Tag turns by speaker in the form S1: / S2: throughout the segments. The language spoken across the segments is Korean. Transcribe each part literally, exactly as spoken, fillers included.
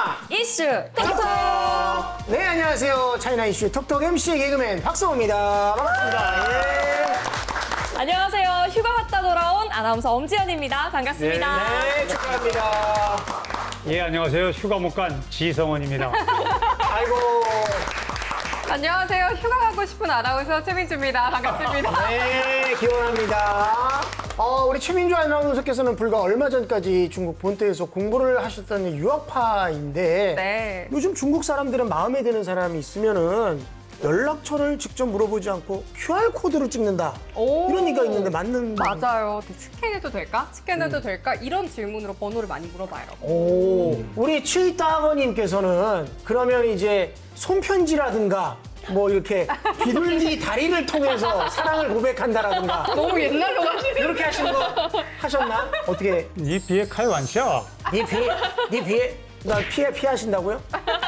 S1: 이슈 톡톡.
S2: 네, 안녕하세요. 차이나 이슈 톡톡 엠씨 개그맨 박성호입니다. 반갑습니다. 예.
S1: 안녕하세요. 휴가 갔다 돌아온 아나운서 엄지연입니다. 반갑습니다.
S2: 네, 축하합니다.
S3: 예, 안녕하세요. 휴가 못 간 지성원입니다.
S2: 아이고.
S4: 안녕하세요. 휴가 가고 싶은 아나운서 최민주입니다. 반갑습니다.
S2: 네, 기원합니다. 어, 우리 최민주 아나운서께서는 불과 얼마 전까지 중국 본토에서 공부를 하셨던 유학파인데
S4: 네.
S2: 요즘 중국 사람들은 마음에 드는 사람이 있으면은 연락처를 직접 물어보지 않고 큐알코드로 찍는다.
S4: 오.
S2: 이런 얘기가 있는데 맞는
S4: 맞아요. 스캔해도 될까? 스캔해도 될까? 이런 질문으로 번호를 많이 물어봐요.
S2: 오, 우리 취따거님께서는 그러면 이제 손편지라든가 뭐 이렇게 비둘기 다리를 통해서 사랑을 고백한다라든가
S4: 너무 옛날로 가시네.
S2: 이렇게 하신 거 하셨나? 어떻게?
S3: 이 비에 칼 완샤.
S2: 네 피해, 네 피해, 나 피해 피하신다고요?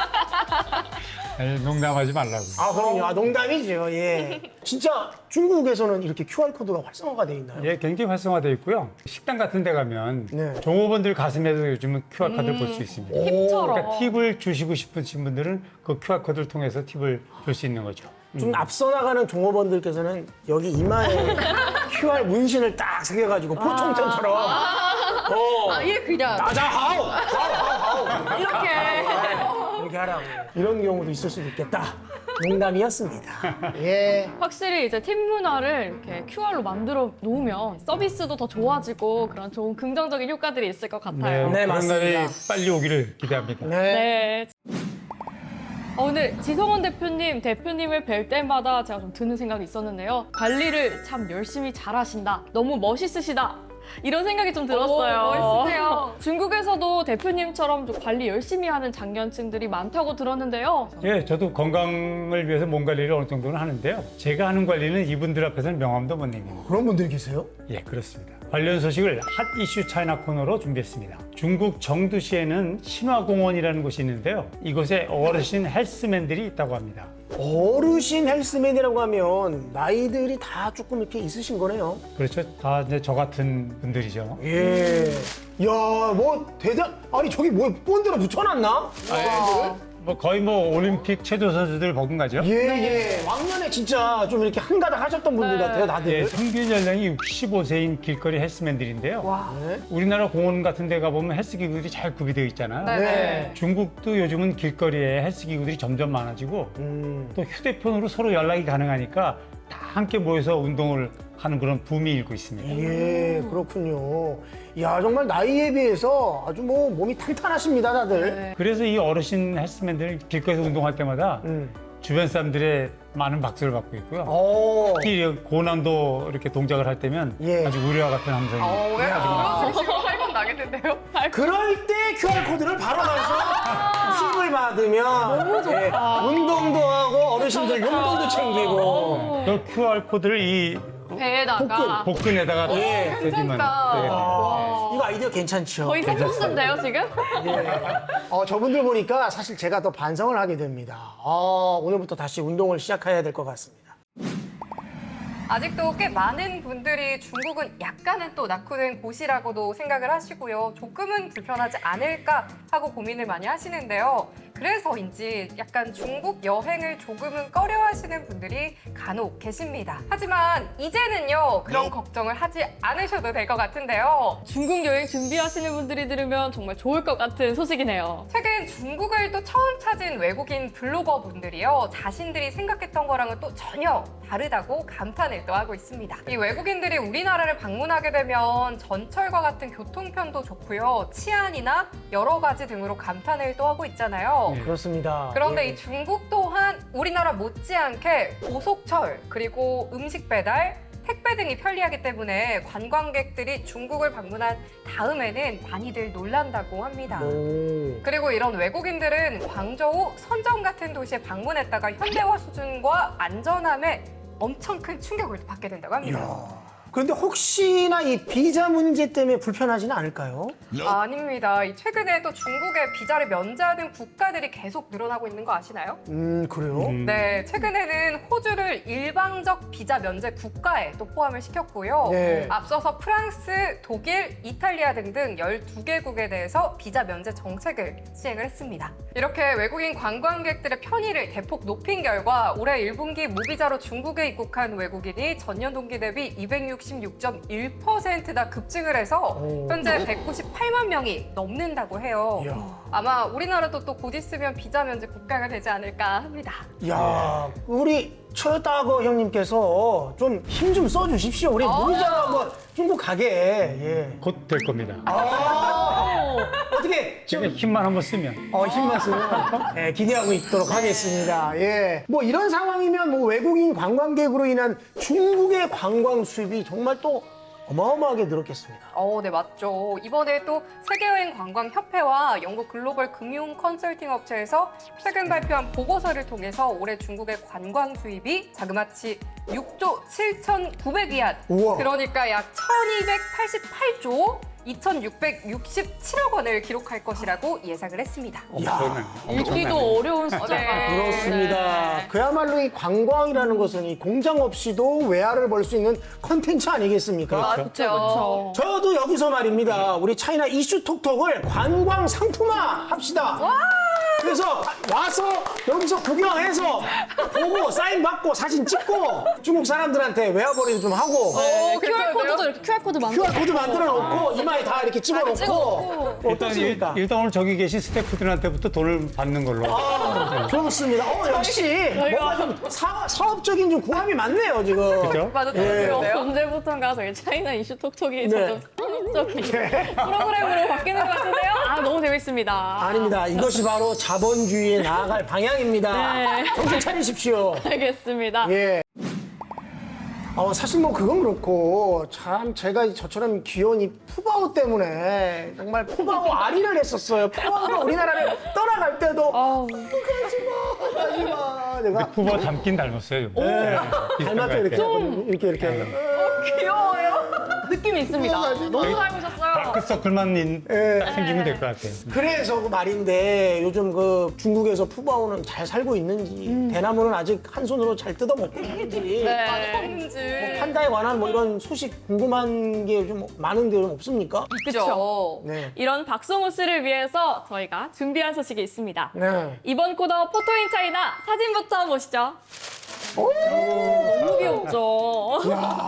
S3: 농담하지 말라고.
S2: 아 그럼요, 아, 농담이죠. 예. 진짜 중국에서는 이렇게 큐알코드가 활성화가 돼 있나요?
S3: 예, 굉장히 활성화되어 있고요. 식당 같은 데 가면
S2: 네.
S3: 종업원들 가슴에도 요즘은 큐알코드를 볼 수 있습니다.
S4: 힙처럼.
S3: 그러니까 팁을 주시고 싶으신 분들은 그 큐알코드를 통해서 팁을 줄 수 있는 거죠.
S2: 좀 앞서 나가는 종업원들께서는 여기 이마에 큐알 문신을 딱 새겨가지고 포청천처럼 어,
S4: 아예 그냥
S2: 나자하오, 하오, 하오, 하오.
S4: 이렇게.
S2: 이렇게 하라고. 이런 경우도 있을 수도 있겠다. 농담이었습니다. 예.
S1: 확실히 이제 팀 문화를 이렇게 큐알로 만들어 놓으면 서비스도 더 좋아지고 그런 좋은 긍정적인 효과들이 있을 것 같아요.
S2: 네,
S3: 그런
S2: 맞습니다.
S3: 날이 빨리 오기를 기대합니다.
S2: 네.
S1: 네. 어, 오늘 지성원 대표님, 대표님을 뵐 때마다 제가 좀 드는 생각이 있었는데요. 관리를 참 열심히 잘하신다. 너무 멋있으시다. 이런 생각이 좀 들었어요.
S4: 오, 멋있으세요.
S1: 중국에서도 대표님처럼 좀 관리 열심히 하는 장년층들이 많다고 들었는데요.
S3: 예, 저도 건강을 위해서 몸 관리를 어느 정도는 하는데요. 제가 하는 관리는 이분들 앞에서는 명함도 못 내밉니다.
S2: 그런 분들이 계세요?
S3: 예, 그렇습니다. 관련 소식을 핫 이슈 차이나 코너로 준비했습니다. 중국 정두시에는 신화공원이라는 곳이 있는데요. 이곳에 어르신 헬스맨들이 있다고 합니다.
S2: 어르신 헬스맨이라고 하면 나이들이 다 조금 이렇게 있으신 거네요.
S3: 그렇죠. 다 이제 저 같은 분들이죠.
S2: 예. 야, 뭐 대단. 아니 저기 뭐 본드로 붙여놨나?
S3: 뭐 거의 뭐 올림픽 최도 선수들 버금가죠.
S2: 예, 예. 왕년에 진짜 좀 이렇게 한가닥 하셨던 분들
S1: 네.
S2: 같아요, 다들.
S3: 예, 평균 연령이 육십오 세인 길거리 헬스맨들인데요.
S4: 와.
S2: 네.
S3: 우리나라 공원 같은 데 가보면 헬스 기구들이 잘 구비되어 있잖아요.
S4: 네.
S2: 네.
S3: 중국도 요즘은 길거리에 헬스 기구들이 점점 많아지고
S2: 음.
S3: 또 휴대폰으로 서로 연락이 가능하니까 다 함께 모여서 운동을 하는 그런 붐이 일고 있습니다.
S2: 예, 그렇군요. 야, 정말 나이에 비해서 아주 뭐 몸이 탄탄하십니다, 다들.
S4: 네.
S3: 그래서 이 어르신 헬스맨들 길거리에서 운동할 때마다
S2: 음.
S3: 주변 사람들의 많은 박수를 받고 있고요.
S2: 어.
S3: 특히 고난도 이렇게 동작을 할 때면
S2: 예.
S3: 아주 우려와 같은 함성이
S4: 어, 왜 그러시고 활건 나겠는데요?
S2: 그럴 때 큐알코드를 바로 가서 팁을 받으면 예, 운동도 하고 어르신들 용돈도 챙기고.
S3: 그 큐알코드를 이
S4: 배에다가.
S3: 복근에다가
S2: 예.
S3: 대기만.
S4: 괜찮다.
S3: 네.
S2: 아, 이거 아이디어 괜찮죠?
S1: 거의 색소스인데요, 지금?
S2: 예. 어, 저분들 보니까 사실 제가 더 반성을 하게 됩니다. 어, 오늘부터 다시 운동을 시작해야 될 것 같습니다.
S4: 아직도 꽤 많은 분들이 중국은 약간은 또 낙후된 곳이라고도 생각을 하시고요. 조금은 불편하지 않을까 하고 고민을 많이 하시는데요. 그래서인지 약간 중국 여행을 조금은 꺼려하시는 분들이 간혹 계십니다. 하지만 이제는요, 그런 걱정을 하지 않으셔도 될 것 같은데요.
S1: 중국 여행 준비하시는 분들이 들으면 정말 좋을 것 같은 소식이네요.
S4: 최근 중국을 또 처음 찾은 외국인 블로거 분들이요, 자신들이 생각했던 거랑은 또 전혀 다르다고 감탄을 또 하고 있습니다. 이 외국인들이 우리나라를 방문하게 되면 전철과 같은 교통편도 좋고요, 치안이나 여러 가지 등으로 감탄을 또 하고 있잖아요.
S3: 네.
S2: 그렇습니다.
S4: 그런데
S2: 예.
S4: 이 중국 또한 우리나라 못지않게 고속철, 그리고 음식 배달, 택배 등이 편리하기 때문에 관광객들이 중국을 방문한 다음에는 많이들 놀란다고 합니다.
S2: 오.
S4: 그리고 이런 외국인들은 광저우, 선정 같은 도시에 방문했다가 현대화 수준과 안전함에 엄청 큰 충격을 받게 된다고 합니다.
S2: 이야. 그런데 혹시나 이 비자 문제 때문에 불편하지는 않을까요?
S4: 아, 아닙니다. 이 최근에 또 중국의 비자를 면제하는 국가들이 계속 늘어나고 있는 거 아시나요?
S2: 음, 그래요?
S3: 음.
S4: 네, 최근에는 호주를 일방적 비자 면제 국가에 또 포함을 시켰고요.
S2: 네.
S4: 앞서서 프랑스, 독일, 이탈리아 등등 열두 개국에 대해서 비자 면제 정책을 시행을 했습니다. 이렇게 외국인 관광객들의 편의를 대폭 높인 결과 올해 일 분기 무비자로 중국에 입국한 외국인이 전년 동기 대비 이백육십육 점 일 퍼센트나 급증을 해서
S2: 오.
S4: 현재 백구십팔만 명이 넘는다고 해요.
S2: 이야.
S4: 아마 우리나라도 또 곧 있으면 비자 면제 국가가 되지 않을까 합니다.
S2: 야, 우리 최다거 형님께서 좀 힘 좀 써주십시오. 우리 무비자 한번 중국 가게. 예.
S3: 곧 될 겁니다.
S2: 아, 어떻게 좀
S3: 지금 힘만 한번 쓰면.
S2: 어, 힘만 쓰면 예, 기대하고 있도록 하겠습니다. 예. 뭐 이런 상황이면 뭐 외국인 관광객으로 인한 중국의 관광 수입이 정말 또 어마어마하게 늘었겠습니다.
S4: 어, 네, 맞죠. 이번에 또 세계여행관광협회와 영국 글로벌 금융 컨설팅 업체에서 최근 발표한 보고서를 통해서 올해 중국의 관광 수입이 자그마치 육조 칠천구백 위안,
S2: 우와.
S4: 그러니까 약 천이백팔십팔조 이천육백육십칠억 원을 기록할 것이라고 예상을 했습니다.
S3: 엄청나요.
S1: 읽기도 어려운 숫자가.
S4: 네.
S2: 그렇습니다.
S1: 네.
S2: 그야말로 이 관광이라는 것은 이 공장 없이도 외화를 벌 수 있는 컨텐츠 아니겠습니까?
S3: 그렇죠.
S1: 그렇죠.
S2: 저도 여기서 말입니다. 우리 차이나 이슈 톡톡을 관광 상품화 합시다. 그래서 와서 여기서 구경해서 보고 사인 받고 사진 찍고 중국 사람들한테 외화벌이도 좀 하고
S1: 어,
S4: 괜찮은데요?
S1: 큐알코드도 이렇게 큐알코드 만들어.
S2: 큐알코드 만들어 놓고 이마에 다 이렇게 찍어 놓고
S1: 찍어놓고.
S3: 일단, 일,
S2: 어떻습니까?
S3: 일단 오늘 저기 계신 스태프들한테부터 돈을 받는 걸로.
S2: 아, 좋습니다. 어, 역시 뭔가 좀 사, 사업적인 좀 궁합이 많네요, 지금.
S3: 그죠?
S4: 맞아,
S2: 예.
S4: 들었는데요.
S1: 언제부턴가 저희 차이나 이슈 톡톡이
S2: 네.
S1: 점점 산업적인 프로그램으로 바뀌는 것 같은데요. 아, 너무 재밌습니다.
S2: 아닙니다. 이것이 바로 자본주의에 나아갈 방향입니다.
S1: 네.
S2: 정신 차리십시오.
S1: 알겠습니다.
S2: 예. 어, 사실 뭐 그건 그렇고 참 제가 저처럼 귀여운 이 푸바오 때문에 정말 푸바오 아리를 했었어요. 푸바오가 우리나라를 떠나갈 때도
S1: 아우,
S2: 가지마 가지마 내가
S3: 후보 닮긴 닮았어요. 네.
S2: 닮았죠 이렇게
S1: 좀.
S2: 이렇게 이렇게 하면.
S4: 귀여워요.
S1: 느낌이 있습니다. 너무 닮으셨어요.
S3: 다크서클만 인-
S2: 예.
S3: 생기면 될 것 같아요.
S2: 그래서 그 말인데 요즘 그 중국에서 푸바오는 잘 살고 있는지 대나무는 아직 한 손으로 잘 뜯어 먹고 있는지
S1: 네.
S4: 없는지.
S2: 뭐 판다에 관한 뭐 이런 소식 궁금한 게 좀 많은데 좀 없습니까?
S1: 그렇죠.
S2: 네.
S1: 이런 박성호 씨를 위해서 저희가 준비한 소식이 있습니다.
S2: 네.
S1: 이번 코너 포토인 차이나 사진부터 보시죠. 너무 귀엽죠?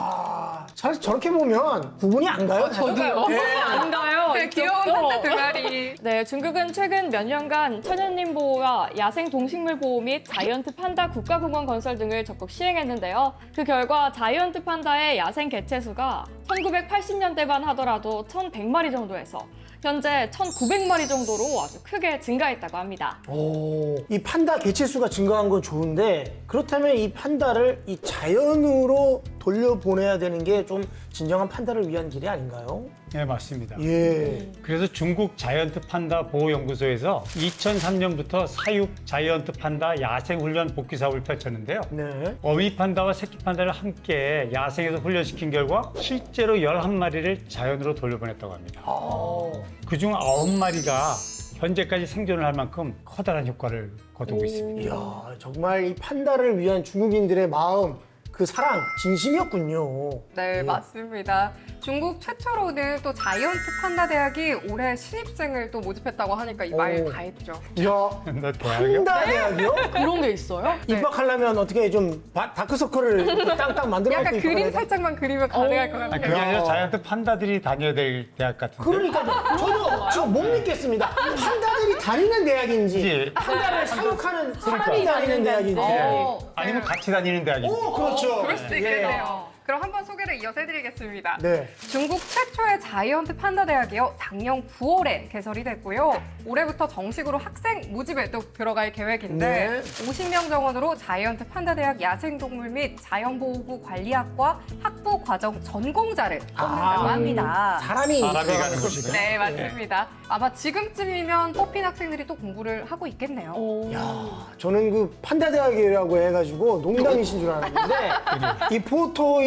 S2: 야, 잘 저렇게 보면 구분이 안 가요?
S1: 저도요.
S2: 네.
S1: 안 가요.
S4: 네, 귀여운
S1: 이쪽도.
S4: 판다 두 마리.
S1: 네, 중국은 최근 몇 년간 천연림 보호와 야생 동식물 보호 및 자이언트 판다 국가공원 건설 등을 적극 시행했는데요. 그 결과 자이언트 판다의 야생 개체 수가 천구백팔십 년대만 하더라도 천백 마리 정도에서 현재 천구백 마리 정도로 아주 크게 증가했다고 합니다.
S2: 오, 이 판다 개체 수가 증가한 건 좋은데 그렇다면 이 판다를 이 자연으로 돌려보내야 되는 게 좀 진정한 판다를 위한 길이 아닌가요?
S3: 네, 맞습니다.
S2: 예.
S3: 그래서 중국 자이언트 판다 보호연구소에서 이천삼 년부터 사육 자이언트 판다 야생 훈련 복귀 사업을 펼쳤는데요.
S2: 네.
S3: 어미 판다와 새끼 판다를 함께 야생에서 훈련시킨 결과 실제로 열한 마리를 자연으로 돌려보냈다고 합니다.
S2: 아,
S3: 그중 아홉 마리가 현재까지 생존을 할 만큼 커다란 효과를 거두고 있습니다.
S2: 이야, 정말 이 판다를 위한 중국인들의 마음, 그 사랑, 진심이었군요.
S4: 네, 맞습니다. 중국 최초로는 또 자이언트 판다 대학이 올해 신입생을 또 모집했다고 하니까 이 말
S2: 오.
S4: 다 했죠.
S2: 이야,
S3: 너 대학이요?
S2: 판다 대학이요?
S1: 그런 게 있어요?
S2: 입학하려면 어떻게 좀 바- 다크서클을 땅땅 만들어
S4: 약간
S2: 갖고
S4: 그림
S2: 입학해야 돼?
S4: 살짝만 그리면 가능할 것
S3: 아,
S4: 같아요.
S3: 그게 아니라
S2: 야.
S3: 자이언트 판다들이 다녀야 될 대학 같은데.
S2: 그러니까 저도 지금 못 믿겠습니다. 판다들이 다니는 대학인지
S3: 그치.
S2: 판다를 사육하는 사람이 다니는 대학인지.
S1: 어.
S3: 아니면 같이 다니는 대학인데.
S2: 오, 그렇죠.
S4: 그럴 수도 있겠네요. 그럼 한번 소개를 이어서 해드리겠습니다.
S2: 네.
S4: 중국 최초의 자이언트 판다 대학이요. 작년 구월에 개설이 됐고요. 올해부터 정식으로 학생 모집에 또 들어갈 계획인데
S2: 네.
S4: 오십 명 정원으로 자이언트 판다 대학 야생동물 및 자연보호구 관리학과 학부 과정 전공자를 뽑는다고 합니다.
S2: 사람이
S3: 사람이
S2: 들어가는
S3: 가는
S2: 곳이구나.
S4: 네, 맞습니다. 아마 지금쯤이면 뽑힌 학생들이 또 공부를 하고 있겠네요.
S1: 오.
S2: 저는 그 판다 대학이라고 해가지고 농담이신 줄 알았는데 이 포토인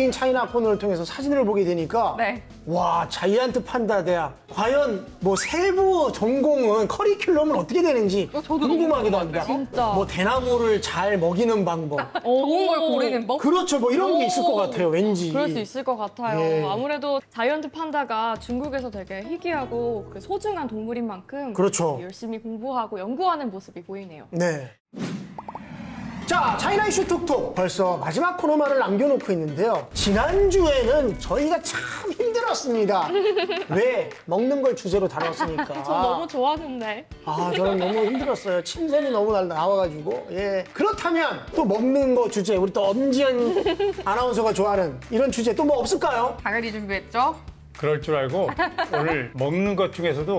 S2: 메이드 인 차이나 코너를 통해서 사진을 보게 되니까
S4: 네.
S2: 와, 자이언트 판다 대학. 과연 뭐 세부 전공은 커리큘럼은 어떻게 되는지
S4: 어, 저도
S2: 궁금하기도
S4: 너무
S2: 합니다.
S1: 진짜.
S2: 뭐 대나무를 잘 먹이는 방법.
S4: 좋은 걸 고르는 법?
S2: 그렇죠. 뭐 이런 게 있을 것
S1: 오.
S2: 같아요. 왠지.
S1: 그럴 수 있을 것 같아요.
S2: 예.
S1: 아무래도 자이언트 판다가 중국에서 되게 희귀하고 그 소중한 동물인 만큼
S2: 그렇죠.
S1: 열심히 공부하고 연구하는 모습이 보이네요.
S2: 네. 자, 차이나 이슈 톡톡 벌써 마지막 코너만을 남겨놓고 있는데요. 지난주에는 저희가 참 힘들었습니다. 왜? 먹는 걸 주제로 다뤘으니까.
S1: 전 너무 좋아하는데.
S2: 아, 저는 너무 힘들었어요. 침샘이 너무 날 나와가지고. 예. 그렇다면 또 먹는 거 주제, 우리 또 엄지연 아나운서가 좋아하는 이런 주제 또 뭐 없을까요?
S4: 당연히 준비했죠.
S3: 그럴 줄 알고 오늘 먹는 것 중에서도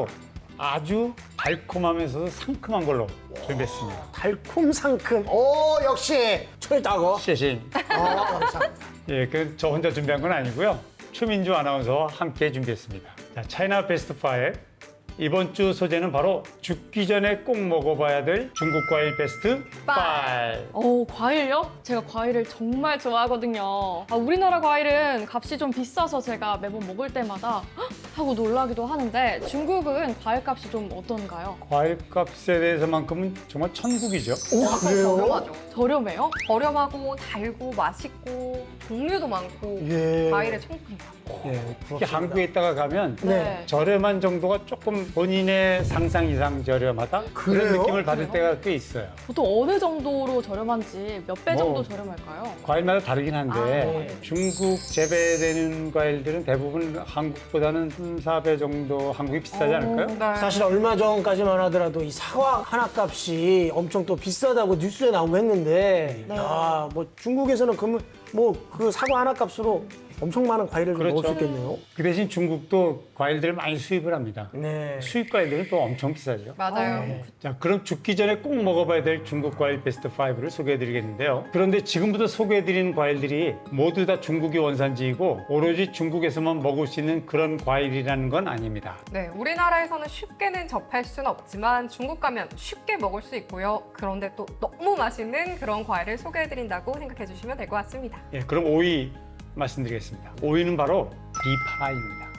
S3: 아주 달콤하면서도 상큼한 걸로 준비했습니다.
S2: 달콤 상큼. 오, 역시 철다고.
S3: 시신.
S2: 어, 감사합니다.
S3: 예, 그 저 혼자 준비한 건 아니고요. 최민주 아나운서와 함께 준비했습니다. 자, 차이나 베스트 파이브. 이번 주 소재는 바로 죽기 전에 꼭 먹어봐야 될 중국 과일 베스트 파이브.
S1: 어, 과일요? 제가 과일을 정말 좋아하거든요. 아, 우리나라 과일은 값이 좀 비싸서 제가 매번 먹을 때마다 헉! 하고 놀라기도 하는데 중국은 과일 값이 좀 어떤가요?
S3: 과일 값에 대해서만큼은 정말 천국이죠.
S2: 오, 그래요?
S4: 저렴하죠.
S1: 저렴해요?
S4: 저렴하고 달고 맛있고 종류도 많고
S2: 예.
S4: 과일의 천국입니다.
S3: 예, 특히
S2: 부럽습니다.
S3: 한국에 있다가 가면
S2: 네.
S3: 저렴한 정도가 조금 본인의 상상 이상 저렴하다?
S2: 그래요?
S3: 그런 느낌을 받을
S1: 그래요?
S3: 때가 꽤 있어요.
S1: 보통 어느 정도로 저렴한지 몇 배
S3: 뭐,
S1: 정도 저렴할까요?
S3: 과일마다 다르긴 한데
S1: 아, 네.
S3: 중국 재배되는 과일들은 대부분 한국보다는 삼, 사 배 정도 한국이 비싸지 않을까요?
S4: 네.
S2: 사실 얼마 전까지만 하더라도 이 사과 하나 값이 엄청 또 비싸다고 뉴스에 나오고 했는데,
S1: 네.
S2: 야, 뭐 중국에서는 그러면 뭐 그 사과 하나 값으로 엄청 많은 과일을 좀 먹을 수 있겠네요.
S3: 그 대신 중국도 과일들을 많이 수입을 합니다.
S2: 네.
S3: 수입 과일들은 또 엄청 비싸죠.
S4: 맞아요.
S3: 자, 그럼 죽기 전에 꼭 먹어봐야 될 중국 과일 베스트 파이브를 소개해드리겠는데요. 그런데 지금부터 소개해드리는 과일들이 모두 다 중국이 원산지이고 오로지 중국에서만 먹을 수 있는 그런 과일이라는 건 아닙니다.
S4: 네, 우리나라에서는 쉽게는 접할 수는 없지만 중국 가면 쉽게 먹을 수 있고요. 그런데 또 너무 맛있는 그런 과일을 소개해드린다고 생각해 주시면 될 것 같습니다.
S3: 예, 그럼 오 위 말씀드리겠습니다. 오 위는 바로 비파입니다.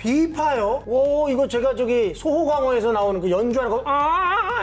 S2: 비파요? 오, 이거 제가 저기 소호광어에서 나오는 그 연주하는 거, 아,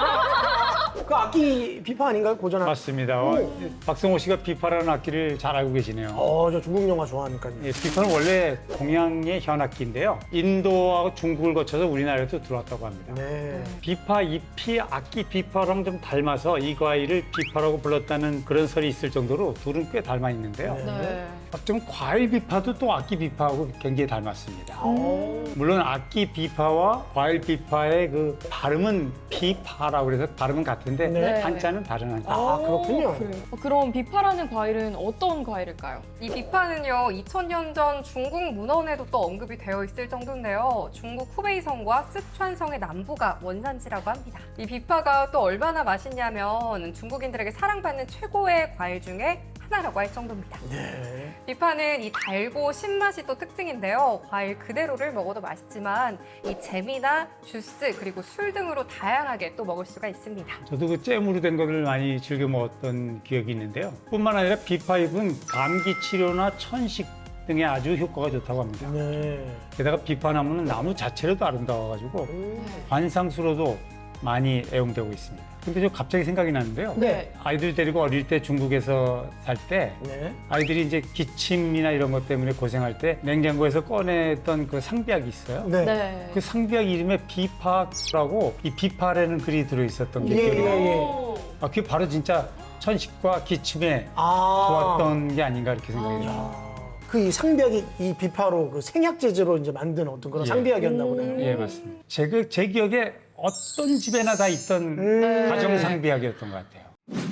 S2: 그 악기 비파 아닌가요? 고전 악기.
S3: 맞습니다. 어, 박성호 씨가 비파라는 악기를 잘 알고 계시네요.
S2: 어, 저 중국 영화 좋아하니까요.
S3: 예, 비파는 원래 동양의 현악기인데요. 인도하고 중국을 거쳐서 우리나라에도 들어왔다고 합니다.
S2: 네.
S3: 비파 잎이 악기 비파랑 좀 닮아서 이 과일을 비파라고 불렀다는 그런 설이 있을 정도로 둘은 꽤 닮아 있는데요.
S2: 네.
S1: 네.
S3: 어쩌면 과일 비파도 또 악기 비파하고 굉장히 닮았습니다.
S2: 오.
S3: 물론 악기 비파와 과일 비파의 그 발음은 비파라고 그래서 발음은 같은데
S2: 네.
S3: 한자는 다른 한자.
S2: 아, 그렇군요.
S1: 그래요. 어, 그럼 비파라는 과일은 어떤 과일일까요?
S4: 이 비파는요, 이천 년 전 중국 문헌에도 또 언급이 되어 있을 정도인데요. 중국 후베이성과 쓰촨성의 남부가 원산지라고 합니다. 이 비파가 또 얼마나 맛있냐면 중국인들에게 사랑받는 최고의 과일 중에 하나라고 할 정도입니다.
S2: 네.
S4: 비파는 이 달고 신맛이 또 특징인데요. 과일 그대로를 먹어도 맛있지만 이 잼이나 주스 그리고 술 등으로 다양하게 또 먹을 수가 있습니다.
S3: 저도 그 잼으로 된 거를 많이 즐겨 먹었던 기억이 있는데요. 뿐만 아니라 비파잎은 감기 치료나 천식 등에 아주 효과가 좋다고 합니다.
S2: 네.
S3: 게다가 비파나무는 나무 자체로도 아름다워가지고 관상수로도 많이 애용되고 있습니다. 근데 저 갑자기 생각이 나는데요.
S2: 네.
S3: 아이들 데리고 어릴 때 중국에서 살 때
S2: 네.
S3: 아이들이 이제 기침이나 이런 것 때문에 고생할 때 냉장고에서 꺼냈던 그 상비약이 있어요.
S2: 네.
S1: 네.
S3: 그 상비약 이름에 비파라고 이 비파라는 글이 들어있었던 게
S2: 예,
S3: 기억이 나요.
S2: 예, 예.
S1: 오.
S3: 아, 그게 바로 진짜 천식과 기침에
S2: 아.
S3: 좋았던 게 아닌가 이렇게 생각이 들어요.
S2: 아, 그 이 상비약이 이 비파로 그 생약 제제로 이제 만든 어떤 그런
S3: 예.
S2: 상비약이었나 보네요.
S3: 예, 맞습니다. 제, 그- 제 기억에 어떤 집에나 다 있던
S2: 음.
S3: 가정 상비약이었던 것 같아요.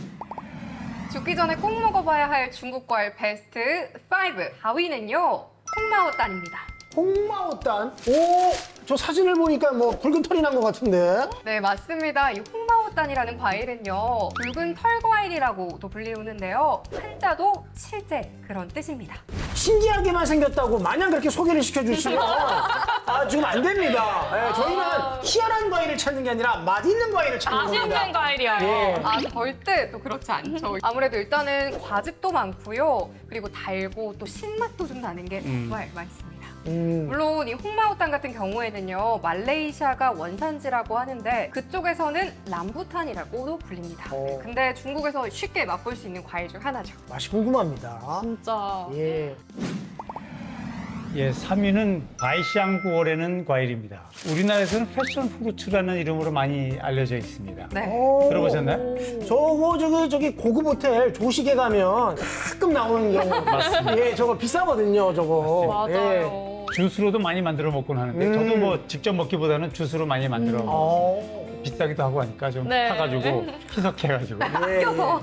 S4: 죽기 전에 꼭 먹어봐야 할 중국 과일 베스트 파이브 사 위는요. 콩마오단입니다.
S2: 홍마오단. 오, 저 사진을 보니까 뭐 붉은 털이 난 것 같은데.
S4: 네, 맞습니다. 이 홍마오단이라는 과일은요, 붉은 털 과일이라고도 불리우는데요. 한자도 실제 그런 뜻입니다.
S2: 신기하게만 생겼다고 마냥 그렇게 소개를 시켜주시면 아, 지금 안 됩니다. 예, 저희는 희한한 과일을 찾는 게 아니라 맛있는 과일을 찾는
S1: 맛있는
S2: 겁니다.
S1: 과일이요.
S2: 예.
S4: 아, 절대 또 그렇지 않죠. 아무래도 일단은 과즙도 많고요. 그리고 달고 또 신맛도 좀 나는 게 정말 맛있습니다.
S2: 음.
S4: 물론 이 홍마오탄 같은 경우에는요, 말레이시아가 원산지라고 하는데 그쪽에서는 람부탄이라고도 불립니다.
S2: 어.
S4: 근데 중국에서 쉽게 맛볼 수 있는 과일 중 하나죠.
S2: 맛이 궁금합니다.
S1: 진짜.
S2: 예.
S3: 예, 삼 위는 바이샹구월에는 과일입니다. 우리나라에서는 패션 프루츠라는 이름으로 많이 알려져 있습니다.
S4: 네.
S2: 오.
S3: 들어보셨나요?
S2: 저거 저기 저기 고급 호텔 조식에 가면 가끔 나오는 경우.
S3: 맞습니다.
S2: 예, 저거 비싸거든요, 저거. 예.
S1: 맞아요.
S3: 주스로도 많이 만들어 먹곤 하는데
S2: 음.
S3: 저도 뭐 직접 먹기보다는 주스로 많이 만들어
S2: 어.
S3: 비싸기도 하고 하니까 좀
S1: 네.
S3: 타가지고 희석해가지고
S2: 예.
S4: 껴서.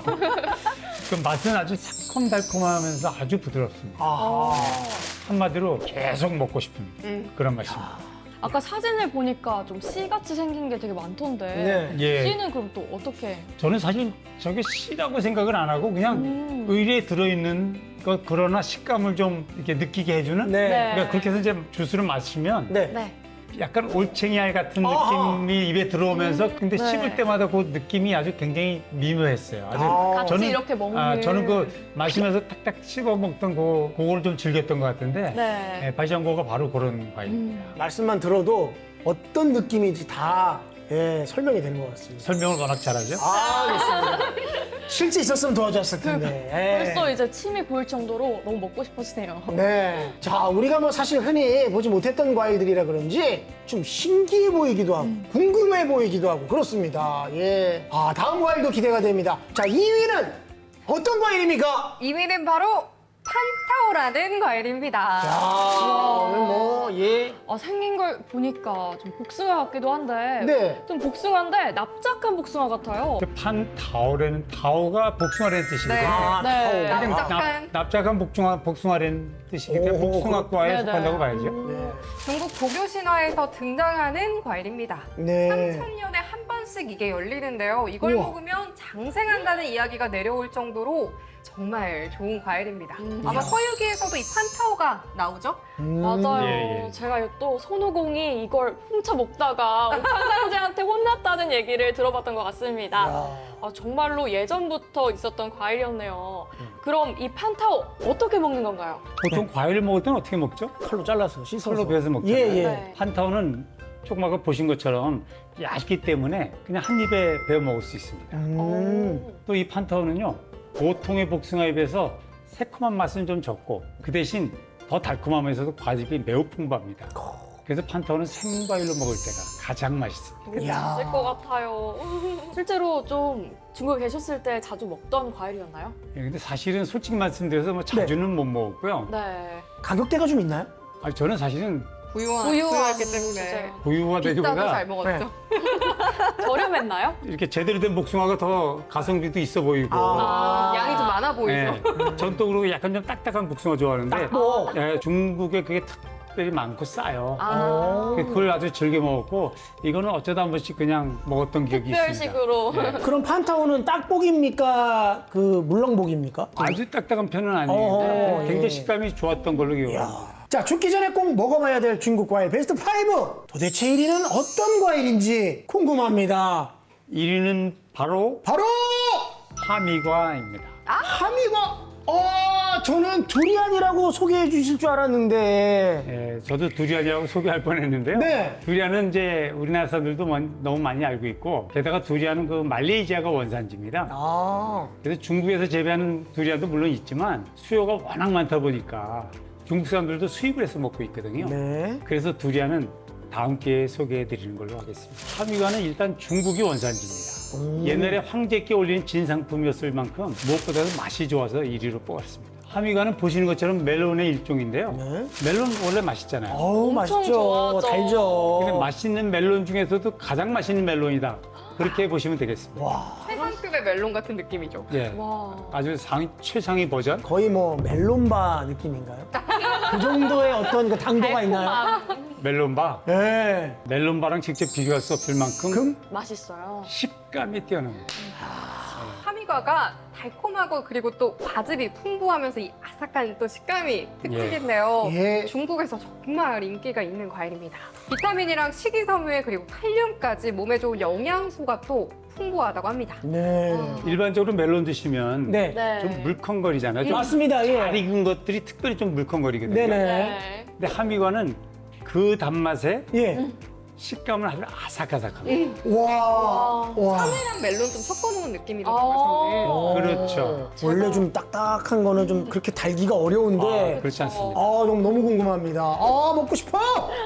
S3: 그 맛은 아주 새콤달콤하면서 아주 부드럽습니다.
S2: 아.
S3: 한마디로 계속 먹고 싶은
S4: 음.
S3: 그런 맛입니다.
S1: 아까 사진을 보니까 좀 씨같이 생긴 게 되게 많던데.
S2: 네.
S3: 예.
S1: 씨는 그럼 또 어떻게?
S3: 저는 사실 저게 씨라고 생각을 안 하고 그냥
S1: 음.
S3: 의리에 들어있는 것 그러나 식감을 좀 이렇게 느끼게 해주는
S2: 네.
S1: 네.
S3: 그러니까 그렇게 해서 이제 주스를 마시면
S2: 네.
S1: 네.
S3: 약간 올챙이알 같은
S2: 아하.
S3: 느낌이 입에 들어오면서 근데
S1: 네.
S3: 씹을 때마다 그 느낌이 아주 굉장히 미묘했어요. 아주
S2: 아.
S1: 같이
S3: 저는
S1: 이렇게 먹는.
S3: 아, 저는 그 마시면서 탁탁 씹어 먹던 그 그걸 좀 즐겼던 것 같은데
S1: 네.
S3: 예, 바이샹고가 바로 그런 과일입니다.
S1: 음.
S2: 말씀만 들어도 어떤 느낌인지 다 예, 설명이 되는 것 같습니다.
S3: 설명을 워낙 잘하죠.
S2: 아, 그렇습니다. 실제 있었으면 도와줬을 텐데. 예.
S1: 벌써 이제 침이 고일 정도로 너무 먹고 싶어지네요.
S2: 네. 자, 우리가 뭐 사실 흔히 보지 못했던 과일들이라 그런지 좀 신기해 보이기도 하고 궁금해 보이기도 하고 그렇습니다. 예. 아, 다음 과일도 기대가 됩니다. 자, 이 위는 어떤 과일입니까?
S4: 이 위는 바로 판타오라는 과일입니다.
S2: 자, 오늘 뭐, 예.
S1: 아, 생긴 걸 보니까 좀 복숭아 같기도 한데.
S2: 네.
S1: 좀 복숭아인데 납작한 복숭아 같아요.
S3: 그 판타오라는 타오가 복숭아라는 뜻이거든요.
S4: 네.
S2: 아,
S1: 네.
S2: 타오.
S3: 근데
S4: 납작한.
S3: 납, 납작한 복숭아, 복숭아라는 뜻이니까
S2: 오,
S3: 복숭아과에
S1: 네네.
S3: 속한다고 봐야죠.
S2: 네.
S4: 중국 고교 신화에서 등장하는 과일입니다.
S2: 네.
S4: 삼천 년에 한 번씩 이게 열리는데요. 이걸
S2: 우와.
S4: 먹으면 장생한다는 이야기가 내려올 정도로 정말 좋은 과일입니다.
S1: 음.
S4: 아마 서유기에서도 이 판타오가 나오죠?
S2: 음.
S1: 맞아요.
S3: 예, 예.
S1: 제가 또 손오공이 이걸 훔쳐 먹다가 판상제한테 혼났다는 얘기를 들어봤던 것 같습니다.
S2: 야.
S1: 아, 정말로 예전부터 있었던 과일이었네요. 그럼 이 판타오 어떻게 먹는 건가요?
S3: 보통 과일을 먹을 때는 어떻게 먹죠?
S2: 칼로 잘라서 씻어서.
S3: 칼로 베어서 먹잖아요.
S2: 예, 예.
S1: 네.
S3: 판타오는 조금 아까 보신 것처럼 얇기 때문에 그냥 한 입에 베어 먹을 수 있습니다.
S2: 음.
S1: 오.
S3: 또 이 판타오는요, 보통의 복숭아에 비해서 새콤한 맛은 좀 적고 그 대신 더 달콤하면서도 과즙이 매우 풍부합니다. 그래서 판타오는 생과일로 먹을 때가 가장 맛있습니다.
S2: 이야.
S1: 있을 것 같아요. 실제로 좀 중국에 계셨을 때 자주 먹던 과일이었나요?
S3: 예, 근데 사실은 솔직히 말씀드려서 뭐 자주는 못 먹었고요.
S1: 네.
S2: 가격대가 좀 있나요?
S3: 아니, 저는 사실은
S4: 부유한,
S1: 부유한
S4: 부유했기 때문에.
S1: 주제요.
S3: 보유가
S4: 비싸도
S3: 되기보다
S4: 잘 먹었죠.
S1: 저렴했나요?
S3: 이렇게 제대로 된 복숭아가 더 가성비도 있어 보이고
S2: 아.
S4: 양이 좀 많아 보이죠?
S3: 예, 전통으로 약간 좀 딱딱한 복숭아 좋아하는데
S2: 뭐.
S3: 예, 중국에 그게 특별히 많고 싸요.
S1: 아,
S3: 그걸 아주 즐겨 먹었고 이거는 어쩌다 한 번씩 그냥 먹었던 기억이 있습니다.
S1: 특별식으로.
S3: 예.
S2: 그럼 판타오는 딱복입니까? 그 물렁복입니까?
S3: 아주 딱딱한 편은
S2: 어,
S3: 아니에요.
S2: 예.
S3: 굉장히 식감이 좋았던 걸로 기억합니다.
S2: 자, 죽기 전에 꼭 먹어봐야 될 중국 과일 베스트 파이브. 도대체 일 위는 어떤 과일인지 궁금합니다.
S3: 일 위는 바로
S2: 바로
S3: 하미과입니다.
S2: 하미과. 어, 저는 두리안이라고 소개해 주실 줄 알았는데.
S3: 예, 저도 두리안이라고 소개할 뻔했는데요.
S2: 네.
S3: 두리안은 이제 우리나라 사람들도 먼- 너무 많이 알고 있고 게다가 두리안은 그 말레이시아가 원산지입니다.
S2: 아,
S3: 그래서 중국에서 재배하는 두리안도 물론 있지만 수요가 워낙 많다 보니까 중국 사람들도 수입을 해서 먹고 있거든요.
S2: 네.
S3: 그래서 두리안은 다음 기회에 소개해 드리는 걸로 하겠습니다. 하미과는 일단 중국이 원산지입니다. 옛날에 황제께 올린 진상품이었을 만큼 무엇보다도 맛이 좋아서 일 위로 뽑았습니다. 하미과는 보시는 것처럼 멜론의 일종인데요.
S2: 네.
S3: 멜론 원래 맛있잖아요.
S2: 어우,
S1: 엄청
S2: 맛있죠.
S1: 좋아하죠.
S2: 달죠.
S3: 근데 맛있는 멜론 중에서도 가장 맛있는 멜론이다. 그렇게 보시면 되겠습니다.
S2: 와,
S4: 최상급의 멜론 같은 느낌이죠.
S3: 예.
S1: 와.
S3: 아주 상위, 최상위 버전.
S2: 거의 뭐 멜론바 느낌인가요? 그 정도의 어떤 그 당도가 있나요?
S1: 달콤함.
S3: 멜론바.
S2: 네.
S3: 멜론바랑 직접 비교할 수 없을 만큼
S2: 금?
S1: 맛있어요.
S3: 식감이 뛰어납니다.
S4: 하미과가 달콤하고 그리고 또 과즙이 풍부하면서 이 아삭한 또 식감이 특징인데요.
S2: 예.
S4: 중국에서 정말 인기가 있는 과일입니다. 비타민이랑 식이섬유 그리고 칼륨까지 몸에 좋은 영양소가 또 풍부하다고 합니다.
S2: 네.
S3: 일반적으로 멜론 드시면
S2: 네.
S1: 네.
S3: 좀 물컹거리잖아요. 좀
S2: 맞습니다.
S3: 잘
S2: 예.
S3: 익은 것들이 특별히 좀 물컹거리거든요.
S2: 네네.
S1: 네.
S3: 근데 하미과는 그 단맛에
S2: 예.
S3: 식감을 아주 아삭아삭합니다.
S2: 와. 와.
S4: 카메랑 멜론 좀 섞어놓은 느낌이라고
S1: 아.
S4: 저는.
S3: 그렇죠.
S2: 원래 좀 딱딱한 거는 좀 그렇게 달기가 어려운데.
S3: 아, 그렇지 않습니다.
S2: 아, 너무, 너무 궁금합니다. 아, 먹고 싶어!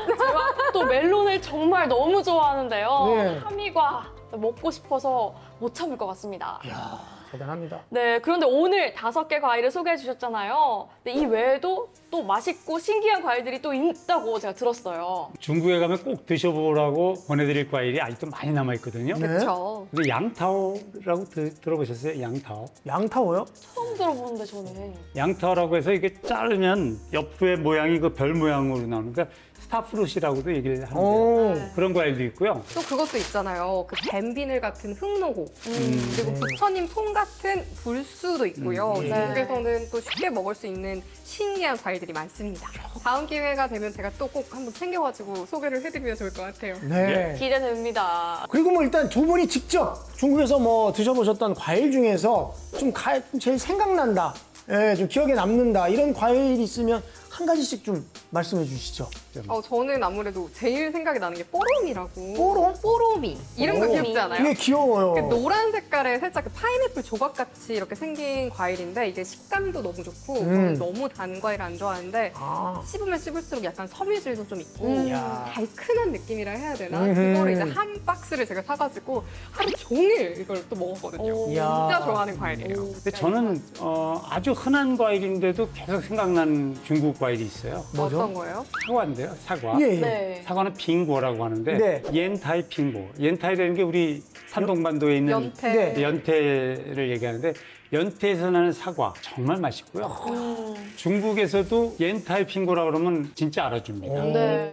S1: 제가 또 멜론을 정말 너무 좋아하는데요.
S2: 네.
S1: 하미과 먹고 싶어서 못 참을 것 같습니다.
S2: 이야, 대단합니다.
S1: 네, 그런데 오늘 다섯 개 과일을 소개해 주셨잖아요. 근데 이 외에도 또 맛있고 신기한 과일들이 또 있다고 제가 들었어요.
S3: 중국에 가면 꼭 드셔보라고 보내드릴 과일이 아직도 많이 남아있거든요.
S2: 네.
S4: 그렇죠.
S3: 근데 양타오라고 드- 들어보셨어요? 양타오?
S2: 양타워요?
S1: 처음 들어보는데 저는.
S3: 양타오라고 해서 이게 자르면 옆에 모양이 그 별 모양으로 나오니까 스타프루시라고도 얘기를 하는데요.
S2: 오.
S1: 네.
S3: 그런 과일도 있고요.
S4: 또 그것도 있잖아요. 그 뱀비늘 같은 흑노고
S3: 음.
S4: 그리고 부처님 송 같은 불수도 있고요.
S3: 음.
S4: 중국에서는 또 쉽게 먹을 수 있는 신기한 과일들이 많습니다. 다음 기회가 되면 제가 또 꼭 한번 챙겨가지고 소개를 해드리면 좋을 것 같아요.
S2: 네.
S1: 기대됩니다.
S2: 그리고 뭐 일단 두 분이 직접 중국에서 뭐 드셔보셨던 과일 중에서 좀 가, 좀 제일 생각난다. 예, 좀 기억에 남는다. 이런 과일이 있으면 한 가지씩 좀 말씀해 주시죠.
S4: 어, 저는 아무래도 제일 생각이 나는 게 뽀롬이라고.
S2: 뽀롬?
S4: 뽀롬이. 이름도
S2: 오.
S4: 귀엽지 않아요?
S2: 이게 귀여워요.
S4: 그 노란 색깔의 살짝 그 파인애플 조각같이 이렇게 생긴 과일인데 이게 식감도 너무 좋고
S2: 음.
S4: 저는 너무 단 과일 안 좋아하는데
S2: 아.
S4: 씹으면 씹을수록 약간 섬유질도 좀 있고
S1: 음.
S2: 이야.
S4: 달큰한 느낌이라 해야 되나?
S2: 음흠.
S4: 그거를 이제 한 박스를 제가 사가지고 하루 종일 이걸 또 먹었거든요.
S1: 오.
S2: 이야.
S4: 진짜 좋아하는 과일이에요.
S3: 근데 저는 어, 아주 흔한 과일인데도 계속 생각나는 중국 과일이 있어요.
S2: 뭐죠?
S4: 어떤 거예요?
S3: 사과인데요, 사과.
S2: 예, 예.
S1: 네.
S3: 사과는 빙고라고 하는데
S2: 네.
S3: 옌타이 빙고. 옌타이라는 게 우리 산동반도에 있는
S4: 연태.
S2: 네.
S3: 연태를 얘기하는데 연태에서 나는 사과 정말 맛있고요.
S1: 음.
S3: 중국에서도 옌타이 빙고라 그러면 진짜 알아줍니다.
S2: 오.
S1: 네.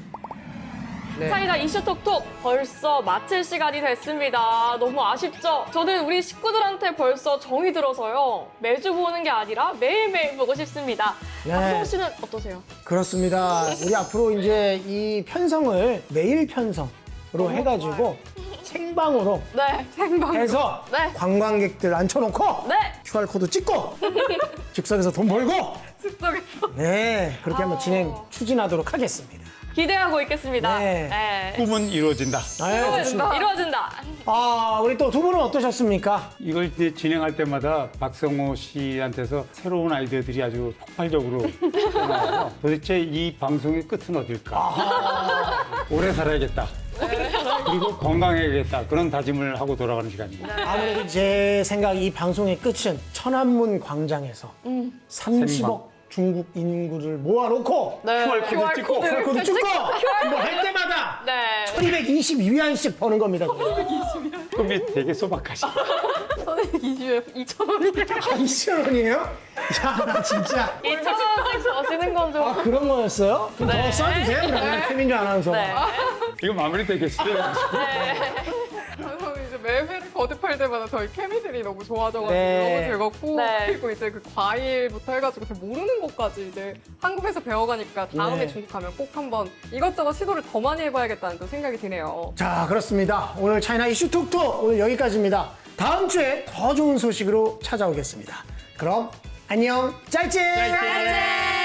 S2: 네.
S1: 차이나 이슈 톡톡 벌써 마칠 시간이 됐습니다. 너무 아쉽죠? 저는 우리 식구들한테 벌써 정이 들어서요. 매주 보는 게 아니라 매일매일 보고 싶습니다.
S2: 네.
S1: 박성호 씨는 어떠세요?
S2: 그렇습니다. 우리 앞으로 이제 이 편성을 매일 편성으로 해가지고 생방으로
S1: 네.
S2: 해서
S1: 네.
S2: 관광객들 앉혀놓고
S1: 네.
S2: 큐알코드 찍고 즉석에서 돈 벌고
S4: 즉석에서.
S2: 네 그렇게 한번
S1: 아.
S2: 진행 추진하도록 하겠습니다.
S1: 기대하고 있겠습니다.
S2: 네.
S1: 네.
S3: 꿈은 이루어진다.
S2: 아유, 좋습니다.
S1: 이루어진다.
S2: 아 우리 또 두 분은 어떠셨습니까?
S3: 이걸 이제 진행할 때마다 박성호 씨한테서 새로운 아이디어들이 아주 폭발적으로 나와서 도대체 이 방송의 끝은 어딜까? 오래 살아야겠다. 그리고 건강해야겠다. 그런 다짐을 하고 돌아가는 시간입니다.
S2: 아무래도 제 생각 이 방송의 끝은 천안문 광장에서
S1: 음.
S2: 삼십억 중국 인구를 모아놓고
S1: 네.
S3: 큐알코드 찍고
S2: 큐알코드 찍고 뭐 할 때마다
S1: 네.
S2: 천이백이십 위안씩 버는 겁니다.
S3: 꿈이 되게 소박하시.
S4: 이천 원이에요.
S2: 아, 이천 원이에요? 야, 나 진짜.
S1: 이천 원씩 버시는 건 좀.
S2: 아, 그런 거였어요? 좀
S1: 네.
S2: 더 써주세요, 그러면. 최민주 아나운서.
S1: 네.
S3: 이거 마무리 되겠어요?
S4: 저는 이제 매 회를 거듭할 때마다 저희 케미들이 너무 좋아져가지고
S2: 네.
S4: 너무 즐겁고
S1: 네.
S4: 그리고 이제 그 과일부터 해가지고 저 모르는 것까지 이제 한국에서 배워가니까 다음에
S2: 네.
S4: 중국 가면 꼭 한번 이것저것 시도를 더 많이 해봐야겠다는 또 생각이 드네요.
S2: 자, 그렇습니다. 오늘 차이나 이슈 톡톡 오늘 여기까지입니다. 다음 주에 더 좋은 소식으로 찾아오겠습니다. 그럼 안녕, 짜이째!
S3: 짜이째!